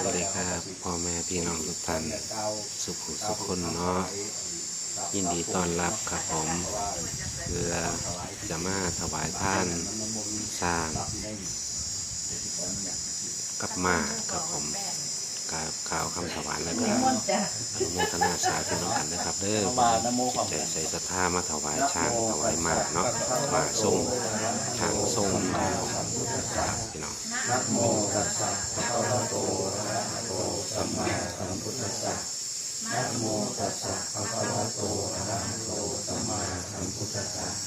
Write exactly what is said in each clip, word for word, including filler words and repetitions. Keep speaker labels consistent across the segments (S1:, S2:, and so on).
S1: วัสดีครับพ่อแม่พี่น้องทุกท่านสุขสุขคนเนาะยินดีต้อนรับครับผมเพื่อจะมาถวายท่านสร้างกับมาครับผมกับข่าวคำถวายแล้วก็โมทนาสาธุน้องกันนะครับเด้อจิตใจใส่ศรัทธามาถวายช้างถวายมาเนาะมาส่งช้างส่งครับพี่น้อง
S2: นะโมตัสสะภะคะวะโตอะระหะโตสัมมาสัมพุทธัสสะนะโมตัสสะภะคะวะโตอะระหะโตสัมมาสัมพุทธัสสะ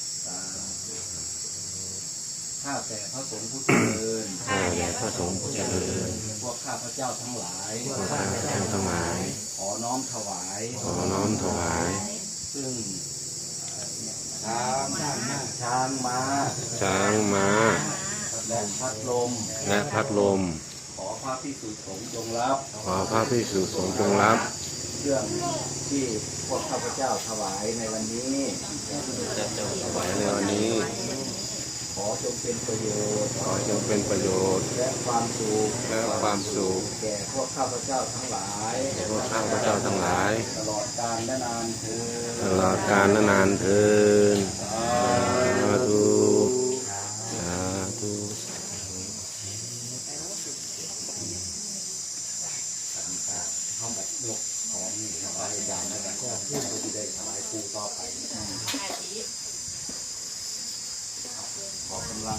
S2: ข้าแต่พระสงฆ์ผู้เจริญ
S1: ข้าแต่พระสงฆ์ผู้เจริญ
S2: พวกข้าพระเจ้าทั้งหลาย
S1: พวกข้าพเจ้าทั้งหลาย
S2: ขอน้อมถวาย
S1: ขอน้อมถวาย
S2: ซึ่งช้างช้างม้า
S1: ช้างม้า
S2: และพัดลม
S1: และพัดลม
S2: ขอพระภิกษุสงฆ์จงรับ
S1: ขอพระภิกษุสงฆ์จงรับ
S2: เครื่องที่พวกข้าพเจ้าถวายในวันนี้
S1: ถวายในวันนี้
S2: ขอจงเป็นประโยชน์
S1: ขอจงเป็นประโยชน์
S2: และความสุข
S1: และความสุข
S2: แก่พวกข้าพเจ้าทั้งหลาย
S1: แก่พวกข้าพเจ้าทั้งหลาย
S2: ตลอดกาลและนานเทอ
S1: ต
S2: ญ
S1: ลอดกาลและนานเทินสาธุสาธุ
S2: ห้องแบบยกของนี่ถวายยามแล้วก็เพื่อที่ได้ถวายครูต่อไปขอกำลัง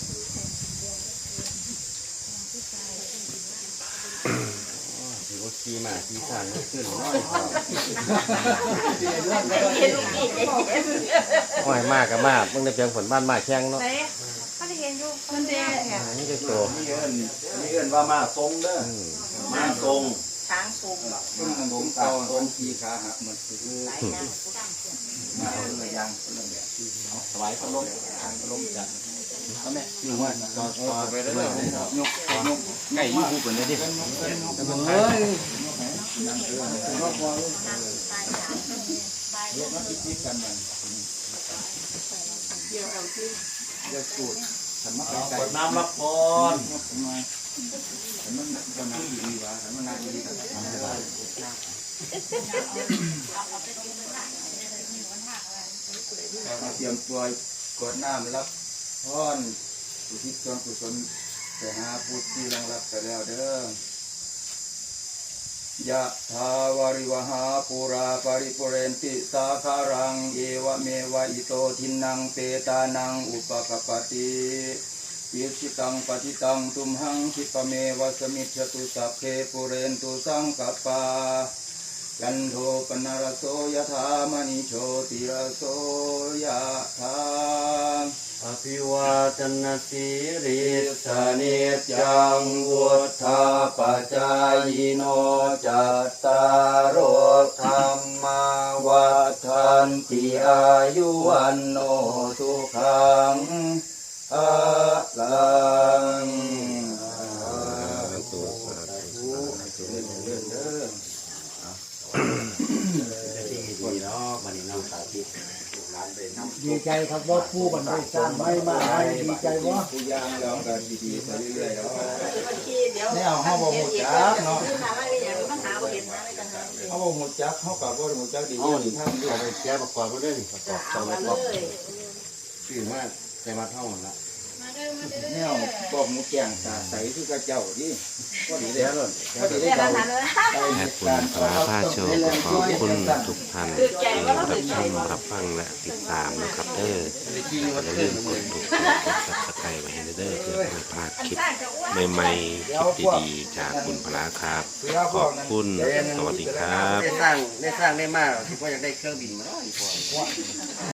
S3: ถือว่าขี่มาขี่สานขึ้นน้อยห้อยมากกับมากมึงได้เพียงผลบ้านมาแข้งเนาะ
S4: เขาได้เห็นอยู่คนเดียวเนี่ย
S3: นี่จะโต
S2: มีเอิญมีเอิญว่ามาทรงเด้อมาทรง
S4: ช้างสูง
S2: ผมตาทรงขี่ขาหักมันคือ
S4: หลายนาง
S2: มาเอาเรื่องยางเรื่องแบบถวายพระลมพระลมจัดเขาแม่คือว่าต่อต่อไปเรื่อยๆยกยกไก่ยี่หูเป็นเลยดิเฮ้ยยกนักพิธีกันมันเดี๋ยวสูตรฉันมาไก่น้ำรับพรฉันมันมันน้ำดีวะฉันมันน้ำดีกันทำได้มาเตรียมตัวกดน้ำรับพรอุทิศส่วนกุศลแต่หาผู้ที่รังรับไปแล้วเด้อยะทาวาริวหาปุราปริปุเรนติสาคารังเอวเมวะอิโตทินังเปตานังอุปกปติปิสิตังปฏิตังตุมหังคิปเมวะสมิจฉตุสัพเพปุเรนตุสังกปายันโทปนารโสยถามณิโชติรโสยถา
S3: อภิวาทนาสีริสเนจังวุฒาปจายโนจัตตารโอธรรมาวัฏันติอายุวันโนสุขังภะลัง
S5: ดีใจครับว่าผู้บรรลุสร้างไม่มาให้ดีใจว่า
S2: ผู้ย่างเราก็ดีๆไปเรื่อยๆแล้ว
S5: ไม่เอาห้องบ่หมดจักเนาะ
S2: เขาบอกหมดจักเขากับว่าหมดจักดี
S3: เอา
S2: ที่
S3: ดิ
S2: ทำด้วย
S3: เอาไปแก้ประกอบไปด้วยนี่ประกอบสองประกอบชื่อมากใจมาเท่านั้นละ
S2: เนี่ยบอกหมูแกงตาใสคือกระเจ้าดิก็ดีเลย
S3: แล้วเลย
S2: ก็ดีเลยเรา
S1: แอดคุณพระพาโชคขอบคุณทุกท่านที่รับชมรับฟังและติดตามนะครับเด้ออย่าลืมกดถูกกดซับสไครต์ไว้ให้เด้อเพื่อไม่พลาดคลิปใหม่ๆคลิปดีๆจากคุณพระครับขอบคุณสวัสดีครับ
S3: ได้สร้างได้สร้างได้มากคิดว่าอยากได้เครื่องบินมาเนาะอีกพอ